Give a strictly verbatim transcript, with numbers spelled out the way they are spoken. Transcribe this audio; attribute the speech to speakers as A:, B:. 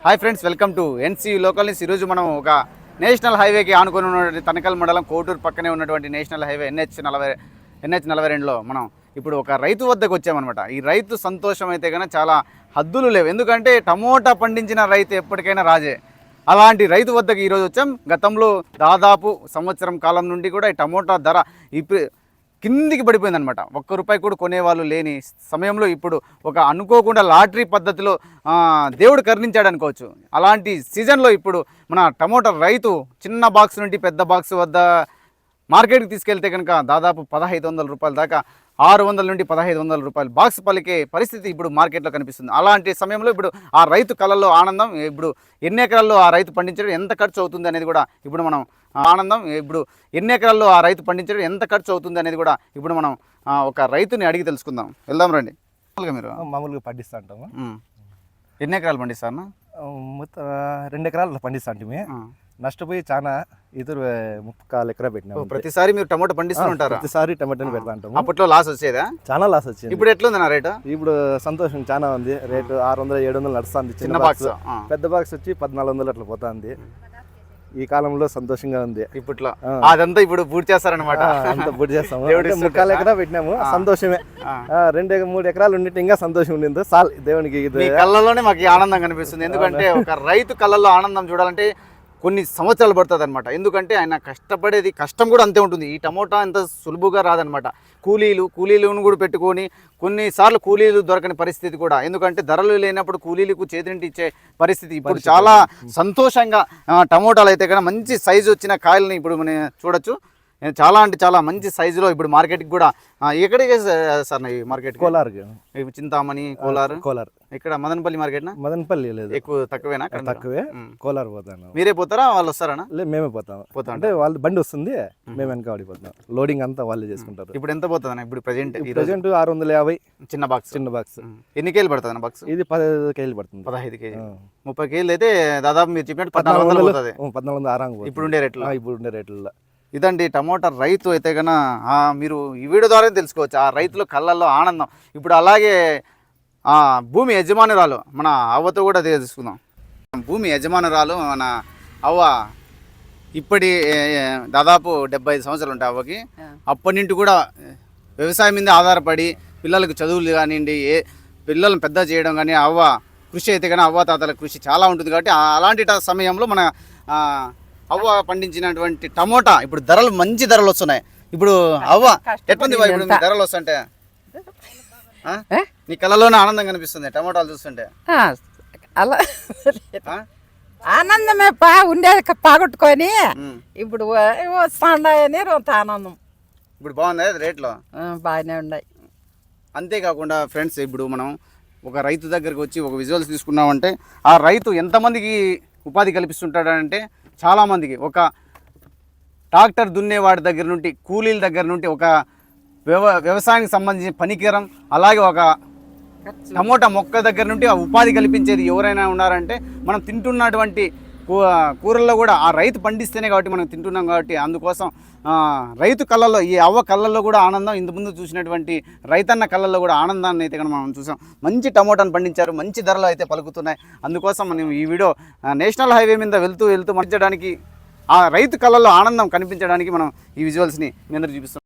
A: Hi friends, welcome to NC local news. ఈరోజు మనం ఒక నేషనల్ హైవేకి ఆనుకొని ఉన్నటువంటి తనకల్ మండలం కోటూరు పక్కనే ఉన్నటువంటి నేషనల్ హైవే ఎన్హెచ్ నలభై ఎన్హెచ్ నలభై రెండులో మనం ఇప్పుడు ఒక రైతు వద్దకు వచ్చామన్నమాట. ఈ రైతు సంతోషం అయితే కన్నా చాలా హద్దులు లేవు. ఎందుకంటే టమోటా పండించిన రైతు ఎప్పటికైనా రాజే. అలాంటి రైతు వద్దకు ఈరోజు వచ్చాం. గతంలో దాదాపు సంవత్సరం కాలం నుండి కూడా ఈ టమోటా ధర ఇప్పుడు కిందికి పడిపోయిందనమాట. ఒక్క రూపాయి కూడా కొనేవాళ్ళు లేని సమయంలో ఇప్పుడు ఒక అనుకోకుండా లాటరీ పద్ధతిలో దేవుడు కరుణించాడు అనుకోవచ్చు. అలాంటి సీజన్లో ఇప్పుడు మన టమోటా రైతు చిన్న బాక్స్ నుండి పెద్ద బాక్స్ వద్ద మార్కెట్కి తీసుకెళ్తే కనుక దాదాపు పదహైదు వందల రూపాయల దాకా ఆరు వందల నుండి పదహైదు వందల రూపాయలు బాక్స్ పలికే పరిస్థితి ఇప్పుడు మార్కెట్లో కనిపిస్తుంది. అలాంటి సమయంలో ఇప్పుడు ఆ రైతు కళల్లో ఆనందం, ఇప్పుడు ఎన్ని ఎకరాల్లో ఆ రైతు పండించడం ఎంత ఖర్చు అవుతుంది అనేది కూడా ఇప్పుడు మనం ఆనందం ఇప్పుడు ఎన్ని ఎకరాల్లో ఆ రైతు పండించడం ఎంత ఖర్చు అవుతుంది అనేది కూడా ఇప్పుడు మనం ఒక రైతుని అడిగి తెలుసుకుందాం. వెళ్దాం రండి. మామూలుగా మీరు
B: మామూలుగా పండిస్తూ ఉంటాము.
A: ఎన్ని ఎకరాలు పండిస్తారన్నా?
B: మొత్తం రెండు ఎకరాలు పండిస్తా అంటే నష్టపోయి చాలా ఇతరు ముప్పకాలు ఎకరా పెట్టినాము.
A: ప్రతిసారి మీరు టమాటో పండిస్తూ ఉంటారు?
B: ప్రతిసారి టమాటోని పెడతా ఉంటాము.
A: అప్పట్లో లాస్ వచ్చేదా?
B: చాలా లాస్ వచ్చింది.
A: ఇప్పుడు ఎట్లుంది రేటు?
B: ఇప్పుడు సంతోషం చాలా ఉంది. రేటు ఆరు వందలు ఏడు వందలు నడుస్తుంది. చిన్న బాక్స్, పెద్ద బాక్స్ వచ్చి పద్నాలుగు వందలు అట్లా పోతుంది. ఈ కాలంలో సంతోషంగా ఉంది.
A: ఇప్పట్లో అదంతా ఇప్పుడు పూర్తి చేస్తారనమాట.
B: అంతా పూర్తి చేస్తాము. ముక్కాలు ఎకరా పెట్టినాము. సంతోషమే. రెండు మూడు ఎకరాలు ఉండి ఇంకా సంతోషం ఉండింది. సాల్ దేవునికి
A: కళ్ళలోనే మాకు ఆనందం కనిపిస్తుంది. ఎందుకంటే ఒక రైతు కళ్ళల్లో ఆనందం చూడాలంటే కొన్ని సంవత్సరాలు పడుతుంది అనమాట. ఎందుకంటే ఆయన కష్టపడేది కష్టం కూడా అంతే ఉంటుంది. ఈ టమోటా అంత సులువుగా రాదనమాట. కూలీలు కూలీలను కూడా పెట్టుకొని కొన్నిసార్లు కూలీలు దొరకని పరిస్థితి కూడా. ఎందుకంటే ధరలు లేనప్పుడు కూలీలకు చేతింటి ఇచ్చే పరిస్థితి. ఇప్పుడు చాలా సంతోషంగా టమోటాలు అయితే కన్నా మంచి సైజు వచ్చిన కాయలని ఇప్పుడు మనం చూడొచ్చు. చాలా అంటే చాలా మంచి సైజులో ఇప్పుడు మార్కెట్కి కూడా ఎక్కడికి సార్ ఈ మార్కెట్?
B: కోలార్,
A: చింతామణి, కోలార్.
B: కోలార్
A: ఇక్కడ మదనపల్లి మార్కెట్?
B: మదనపల్లి లేదు,
A: ఎక్కువ తక్కువేనా?
B: తక్కువే. కోలార్ పోతాను.
A: మీరే పోతారా వాళ్ళు వస్తారా?
B: లేదు, మేమే పోతాం. పోతాం అంటే వాళ్ళు బండి వస్తుంది, మేము వెనక పడిపోతాం. లోడింగ్ అంతా వాళ్ళే చేసుకుంటారు.
A: ఇప్పుడు ఎంత పోతుంది ఇప్పుడు ప్రెజెంట్?
B: ప్రెజెంట్ ఆరు వందల యాభై.
A: చిన్న బాక్స్.
B: చిన్న బాక్స్
A: ఎన్ని కేజీలు పడుతుంది బాక్స్?
B: ఇది పదహైదు కేజీలు పడుతుంది.
A: పదహైదు కేజీ ముప్పై కేజీలు అయితే దాదాపు మీరు చెప్పినట్టు పద్నాలుగు వందలు పోతుంది.
B: పద్నాలుగు వందలు ఆరాంగా
A: ఇప్పుడు ఉండే రేట్లు.
B: ఇప్పుడు ఉండే రేట్లలో
A: ఇదండి టమోటా రైతు అయితే కన్నా మీరు ఈ వీడియో ద్వారా తెలుసుకోవచ్చు ఆ రైతుల కళ్ళల్లో ఆనందం. ఇప్పుడు అలాగే భూమి యజమానురాలు మన అవ్వతో కూడా తెలుసుకుందాం. భూమి యజమానురాలు మన అవ్వ ఇప్పటి దాదాపు డెబ్బై ఐదు సంవత్సరాలు ఉంటాయి అవ్వకి. అప్పటి నుండి కూడా వ్యవసాయం మీద ఆధారపడి పిల్లలకు చదువులు కానివ్వండి, ఏ పిల్లలను పెద్ద చేయడం కానీ అవ్వ కృషి అయితే కానీ అవ్వ తాతల కృషి చాలా ఉంటుంది. కాబట్టి అలాంటి సమయంలో మన అవ్వ పండించినటువంటి టమోటా ఇప్పుడు ధరలు మంచి ధరలు వస్తున్నాయి. ఇప్పుడు అవ్వ ఎట్లుంది ఇప్పుడు మీ ధరలు వస్తుంటే? నీ కళ్ళలోనే ఆనందం కనిపిస్తుంది టమోటాలు చూస్తుంటే?
C: అలా ఆనందమే పా ఉండేది పాగొట్టుకొని ఇప్పుడు వస్తాయని కొంత ఆనందం.
A: ఇప్పుడు బాగుంది రేట్లో?
C: బాగానే ఉన్నాయి.
A: అంతేకాకుండా ఫ్రెండ్స్, ఇప్పుడు మనం ఒక రైతు దగ్గరికి వచ్చి ఒక విజువల్స్ తీసుకున్నామంటే ఆ రైతు ఎంతమందికి ఉపాధి కల్పిస్తుంటాడంటే చాలామందికి. ఒక ట్రాక్టర్ దున్నేవాడి దగ్గర నుండి, కూలీల దగ్గర నుండి, ఒక వ్యవ వ్యవసాయానికి సంబంధించిన పనికిరం, అలాగే ఒక టమోటా మొక్క దగ్గర నుండి ఆ ఉపాధి కల్పించేది ఎవరైనా ఉన్నారంటే మనం తింటున్నటువంటి కూరల్లో కూడా ఆ రైతు పండిస్తేనే కాబట్టి మనం తింటున్నాం. కాబట్టి అందుకోసం రైతు కళ్ళల్లో, ఈ అవ్వ కళ్ళల్లో కూడా ఆనందం, ఇంతకుముందు చూసినటువంటి రైతన్న కళ్ళల్లో కూడా ఆనందాన్ని అయితే మనం చూసాం. మంచి టమోటాను పండించారు, మంచి ధరలు అయితే పలుకుతున్నాయి. అందుకోసం మనం ఈ వీడియో నేషనల్ హైవే మీద వెళ్తూ వెళ్తూ పండించడానికి, ఆ రైతు కళ్ళల్లో ఆనందం కనిపించడానికి మనం ఈ విజువల్స్ని మీ అందరూ చూపిస్తాం.